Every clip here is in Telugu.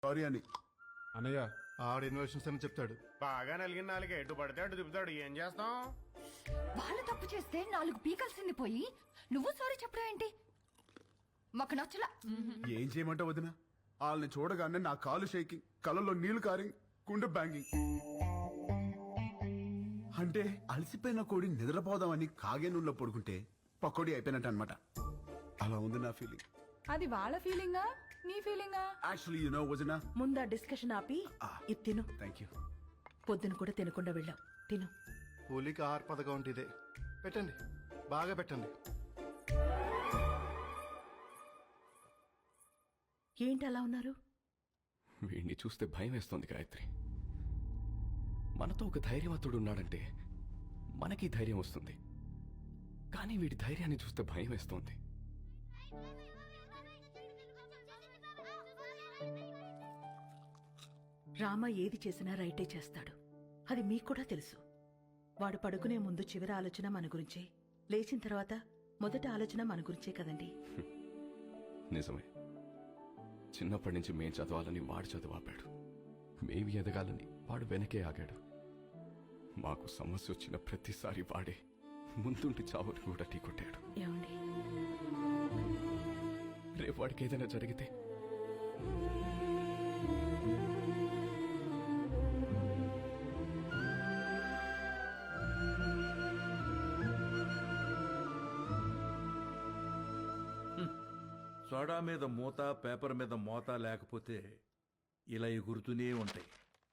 సారీ అని. అన్నయ్య ఆడ ఇన్వెషన్స్ అని చెప్తాడు. బాగా నలిగిన నాలుగు ఎటు పడితే అటు తిప్పుతాడు. ఏం చేస్తాం? వాళ్ళు తప్పు చేస్తే 4 పీకల్సింది పోయి నువ్వు సారీ చెప్పడం ఏంటి? మాకు నచ్చలా. ఏం చేయమంటావు వదిన? వాళ్ళని చూడగానే నా కాలు షేకింగ్, కళ్ళలో నీళ్లు కారింగ్, గుండె బ్యాంగింగ్. అంటే అలసిపోయిన కోడి నిద్రపోదామని కాగే నూనెలో పడుకుంటే పకోడీ అయిపోయినట్టు అనమాట. అలా ఉంది నా ఫీలింగ్. అది వాళ్ళ ఫీలింగా నీ ఫీలింగా? యాక్చువల్లీ యు నో వదిన, ముందా డిస్కషన్ ఆపి ఇది తిను. Thank you. పొద్దున కూడా తినకుండా వెళ్ళావు, తిను. కూలికి ఆహార పథకం అంటే ఇదే. పెట్టండి, బాగా పెట్టండి. ఏంటి అలా ఉన్నారు? వీడిని చూస్తే భయం వేస్తోంది గాయత్రి. మనతో ఒక ధైర్యవంతుడు ఉన్నాడంటే మనకి ధైర్యం వస్తుంది, కానీ వీడి ధైర్యాన్ని చూస్తే భయం వేస్తోంది. రామ ఏది చేసినా రైటే చేస్తాడు, అది మీకు కూడా తెలుసు. వాడు పడుకునే ముందు చివరి ఆలోచన మన గురించే, లేచిన తర్వాత మొదటి ఆలోచన మన గురించే కదండి. నిజమే. చిన్నప్పటి నుంచి మేం చదవాలని వాడు చదువాపాడు, మేమి ఎదగాలని వాడు వెనకే ఆగాడు. మాకు సమస్య వచ్చిన ప్రతిసారి వాడే ముందుండి చావుని కూడా ఢీకొట్టాడు. ఏమండి, రేపు వాడికి ఏదైనా జరిగితే సోడా మీద మూత, పేపర్ మీద మోత లేకపోతే ఇలా ఎగురుతూనే ఉంటాయి.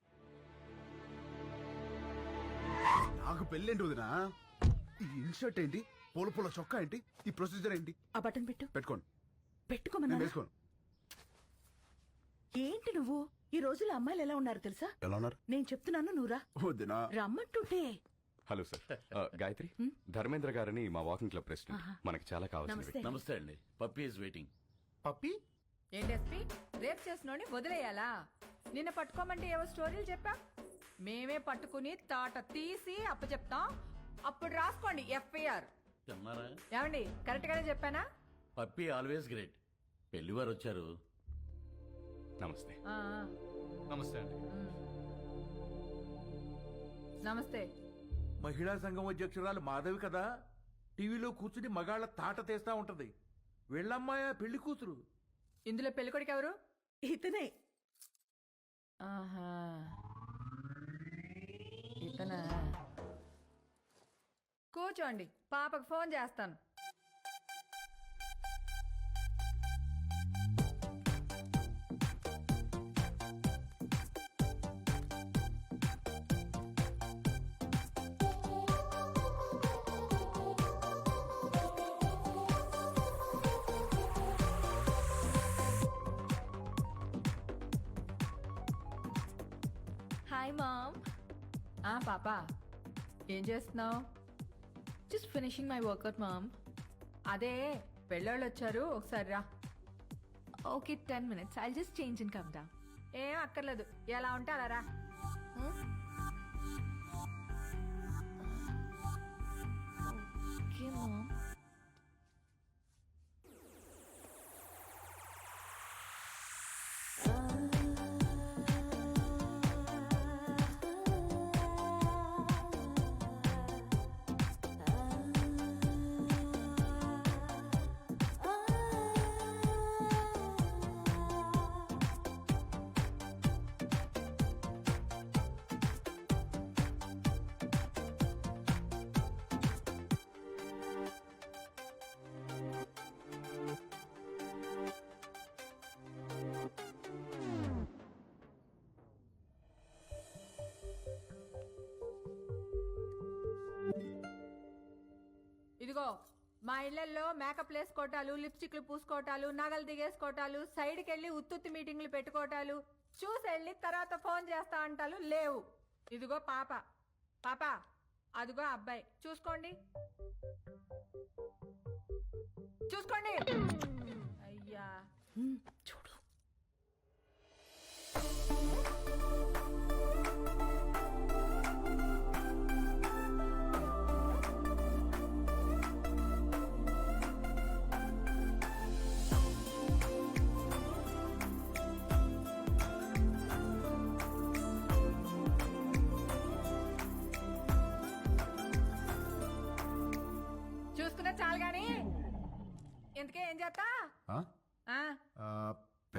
నాకు పెళ్ళేంటి వదిన? ఈ ఇన్షర్ట్ ఏంటి? పూల పూల చొక్కా ఏంటి? ఈ ప్రొసీజర్ ఏంటి? ఆ బటన్ పెట్టు. పెట్టుకోండి. పెట్టుకోమన్నా. నేను వేసుకోను. ఏంటి నువ్వు? ఈ రోజుల్లో అమ్మాయిలు ఎలా ఉన్నారు తెలుసా? ఎలా ఉన్నారు? నేను చెప్తున్నాను, నువ్వురా. వదినా, రమ్మంటుంటే. Hello sir. గాయత్రి, ధర్మేంద్ర గారని మా వాకింగ్ క్లబ్ ప్రెసిడెంట్. మనకి చాలా కావాల్సిన నమస్తే. నమస్తే అండి. Puppy is waiting. పప్పి ఏంటి ఎస్పీ, రేప్ చేసినోని వదిలేయాలా? నిన్న పట్టుకోమంటే ఏవో స్టోరీలు చెప్పా. మేమే పట్టుకుని తాట తీసి అప్పచెప్తాం, అప్పుడు రాసుకోండి ఎఫ్ఐఆర్. తిన్నారా? ఏమండి, కరెక్ట్ గానే చెప్పానా? Puppy always great. పెళ్లివారు వచ్చారు. నమస్తే. ఆ, ఆ. నమస్తే అండి. నమస్తే. మహిళా సంఘం అధ్యక్షురాలు మాధవి కదా, టీవీలో కూర్చుని మగాళ్ళ తాట తీస్తా ఉంటది. వెళ్ళమ్మాయా పెళ్లి కూతురు. ఇందులో పెళ్ళికొడుకు ఎవరు? ఇతనే. ఆహా, ఇతనా? కూర్చోండి, పాపకు ఫోన్ చేస్తాను. Hi mom. పాప, ఏం చేస్తున్నావు? Just finishing my workout mom. అదే పెళ్ళోళ్ళు వచ్చారు, ఒకసారి రా. Okay, 10 minutes. I'll just change and come down. ఏం అక్కర్లేదు, ఎలా ఉంటే అలా రా. Okay, mom. ఇదిగో, మా ఇళ్లలో మేకప్ వేసుకోవటాలు, లిప్స్టిక్లు పూసుకోవటాలు, నగలు దిగేసుకోవటాలు, సైడ్కి వెళ్ళి ఉత్తుత్తి మీటింగ్లు పెట్టుకోవటాలు, చూసి వెళ్ళి తర్వాత ఫోన్ చేస్తా అంటాలు లేవు. ఇదిగో పాప, పాప అదిగో అబ్బాయి, చూసుకోండి చూసుకోండి. అయ్యా, చూడు.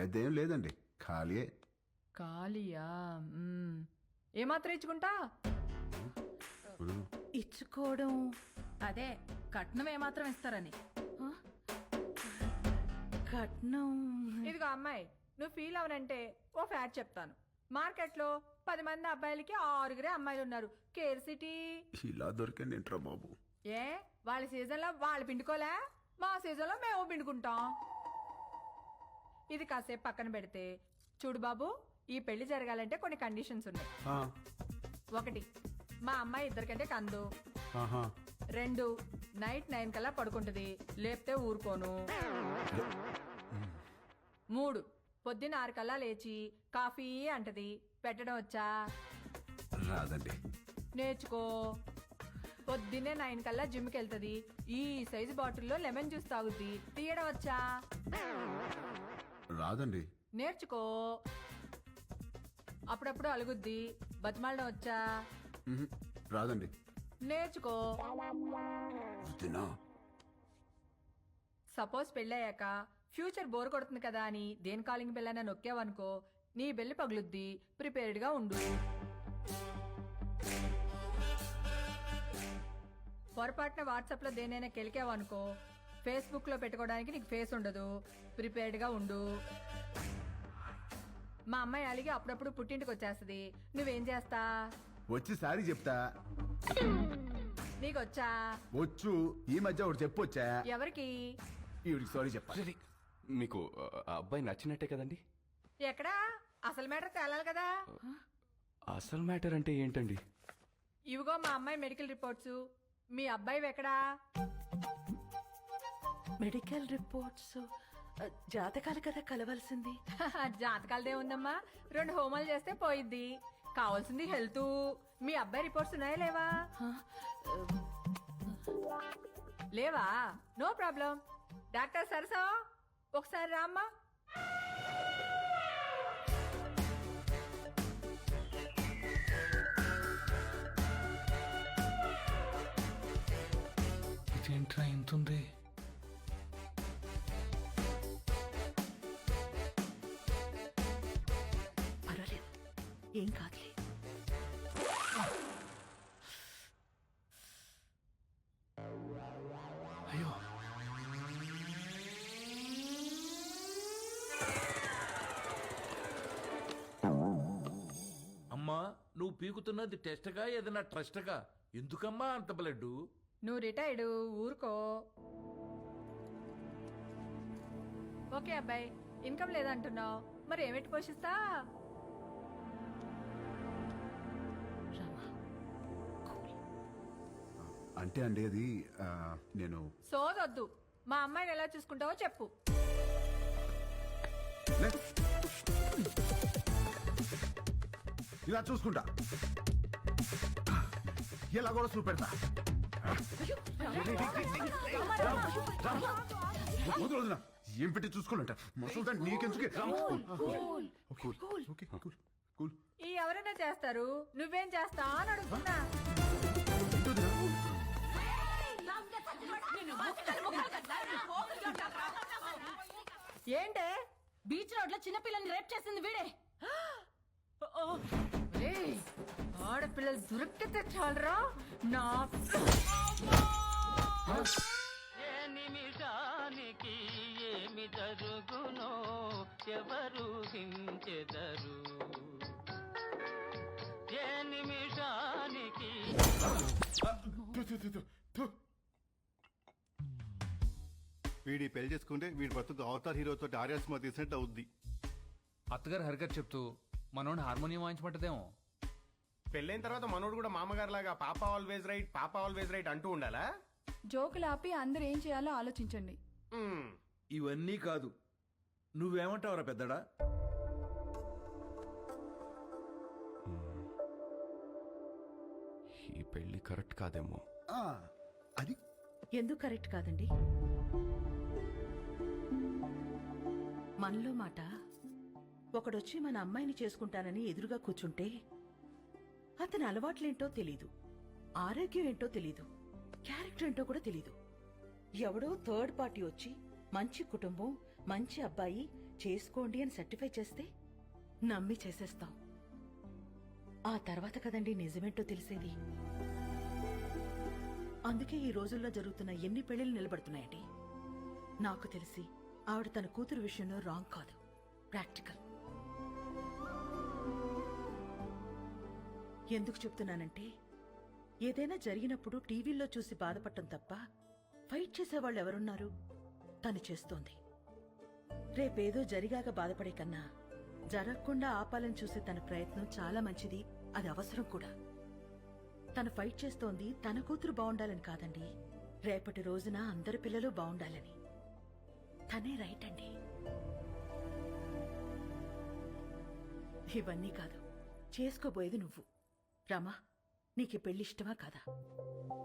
పెద్దేం లేదండి, ఖాళీయే. ఖాళీయా ఏమాత్రం ఇచ్చుకుంటా ఇచ్చుకోవడం అదే కట్నం ఏమాత్రం ఇస్తారని. ఆ? కట్నం ఇదిగో అమ్మాయి, నువ్వు ఫీల్ అవనంటే ఓ ఫ్యాక్ట్ చెప్తాను. మార్కెట్లో 10 మంది అబ్బాయిలకి 6 అమ్మాయిలు ఉన్నారు. Care city. ఇలా దొరికింది ఏంట్రా బాబు. ఏ వాళ్ళ సీజన్లో వాళ్ళు పిండుకోలే, మా సీజన్లో మేము పిండుకుంటాం. ఇది కాసేపు పక్కన పెడితే చూడు బాబు, ఈ పెళ్లి జరగాలంటే కొన్ని కండిషన్స్ ఉన్నాయి. ఆ, 1, మా అమ్మాయి ఇద్దరికంటే కందు. ఆహా. 2, నైట్ 9 కల్లా పడుకుంటది, లేపితే ఊరుకోను. 3, పొద్దున్న 6 కల్లా లేచి కాఫీ అంటది, పెట్టడం వచ్చా? రాదండి. నేర్చుకో. పొద్దున్నే 9 కల్లా జిమ్కి వెళ్తది, ఈ సైజు బాటిల్లో లెమన్ జ్యూస్ తాగుద్ది, తీయడం వచ్చా? రాదండి. నేర్చుకో. అప్పుడప్పుడు అలుగుద్ది, బతిమాలడం వచ్చా? మ్హూ. రాదండి. నేర్చుకో. వద్దునా? సపోజ్ పెళ్ళయ్యాక ఫ్యూచర్ బోర్ కొడుతుంది కదా అని దేని కాలింగ్ బెల్ అయినా నొక్కావనుకో, నీ బెల్లి పగులుద్ది, ప్రిపేర్డ్ గా ఉండు. పొరపాటున వాట్సాప్ లో దేనైనా కెలికావనుకో, ఫేస్బుక్ లో పెట్టుకోవడానికి నీకు ఫేస్ ఉండదు, ప్రిపేర్డ్ గా ఉండు. మా అమ్మాయి అలిగి అప్పుడప్పుడు పుట్టింటికి వచ్చేస్తది, నువ్వేం చేస్తా? వచ్చి సారీ చెప్తా. నీకొచ్చా? వచ్చు. ఈ మధ్య ఒకటి చెప్పొచ్చా? ఎవరికి? ఈవిడికి సారీ చెప్పాలి. మీకు ఆ అబ్బాయి నచ్చినట్టే కదండి? ఎక్కడా? అసలు మ్యాటర్ తేలాలి కదా. అసలు మ్యాటర్ అంటే ఏంటండి? ఇవిగో మా అమ్మాయి మెడికల్ రిపోర్ట్స్. మీ అబ్బాయి ఎక్కడా? మెడికల్ రిపోర్ట్స్ జాతకాలు కదా కలవాల్సింది. జాతకాలదే ఉందమ్మా, 2 హోమాలు చేస్తే పోయిద్ది. కావాల్సింది హెల్త్. మీ అబ్బాయి రిపోర్ట్స్ ఉన్నాయా లేవా? లేవా? No problem. డాక్టర్ సరసా ఒకసారి రామ్మా. ఇదేంట్రా ఇంతుంది? పర్వాలేదు, ఏం కాదులే. అయ్యో, అమ్మా నువ్వు పీకుతున్నది టెస్ట్గా ఏదైనా ట్రస్ట్గా? ఎందుకమ్మా అంత బ్లడ్? నువ్వు రిటైర్డ్, ఊరుకో. ఓకే అబ్బాయి, ఇన్కమ్ లేదంటున్నావు, మరి ఏమిటి పోషిస్తా? రామా, అంటే అండి అది నేను సోదొద్దు. మా అమ్మాయిని ఎలా చూసుకుంటావో చెప్పు. లే. ఇలా చూసుకుంటా, ఇలా కూడా చూపెడతా. వదినా, ఏం పెట్టి చూసుకోవాలంట మసలు నీకెందుకే. కూల్. ఈ ఎవరైనా చేస్తారు, నువ్వేం చేస్తా అని అడుగుతున్నా. ఏంటే? బీచ్ రోడ్ లో చిన్నపిల్లని రేప్ చేసింది వీడే. ఏయ్, ఆడపిల్లలు దొరికితే చాలరా నా. ఏ నిమిషానికి ఏమి జరుగునో ఎవరు హించెదరు. ఏ నిమిషానికి వీడి పెళ్లి చేసుకుంటే వీడి బతుకు అవతార్ హీరోతో ఆర్యా సినిమా తీసినట్టు అవుద్ది. అత్తగారు హరిగారు చెప్తూ మనోడిని హార్మోనియం వాయించమంటదేమో. పెళ్ళైన తర్వాత మనోడు కూడా మామగారు లాగా పాప ఆల్వేజ్ రైట్, పాప ఆల్వేజ్ రైట్ అంటూ ఉండాలా? జోకులు ఆపి అందరు ఏం చేయాలో ఆలోచించండి. మ్మ్. ఇవన్నీ కాదు, నువ్వేమంటావురా పెద్దడా? ఈ పెళ్లి కరెక్ట్ కాదేమో. అది ఎందుకు కరెక్ట్ కాదండి? మనలో మాట, ఒకడొచ్చి మన అమ్మాయిని చేసుకుంటానని ఎదురుగా కూర్చుంటే అతని అలవాట్లేంటో తెలీదు, ఆరోగ్యం ఏంటో తెలీదు, క్యారెక్టర్ ఏంటో కూడా తెలీదు. ఎవడో థర్డ్ పార్టీ వచ్చి మంచి కుటుంబం, మంచి అబ్బాయి, చేసుకోండి అని సర్టిఫై చేస్తే నమ్మి చేసేస్తాం. ఆ తర్వాత కదండి నిజమేంటో తెలిసేది. అందుకే ఈ రోజుల్లో జరుగుతున్న ఎన్ని పెళ్లిళ్ళు నిలబడుతున్నాయండి. నాకు తెలిసి ఆవిడ తన కూతురు విషయంలో రాంగ్ కాదు, ప్రాక్టికల్. ఎందుకు చెప్తున్నానంటే ఏదైనా జరిగినప్పుడు టీవీల్లో చూసి బాధపడటం తప్ప ఫైట్ చేసేవాళ్ళు ఎవరున్నారు? తను చేస్తోంది. రేపేదో జరిగాక బాధపడే కన్నా జరగకుండా ఆపాలని చూసే తన ప్రయత్నం చాలా మంచిది, అది అవసరం కూడా. తను ఫైట్ చేస్తోంది తన కూతురు బాగుండాలని కాదండి, రేపటి రోజున అందరి పిల్లలు బాగుండాలని. తనే రైట్ అండి. ఇవన్నీ కాదు, చేసుకోబోయేది నువ్వు. రమా, నీకు పెళ్లి ఇష్టమా కాదా?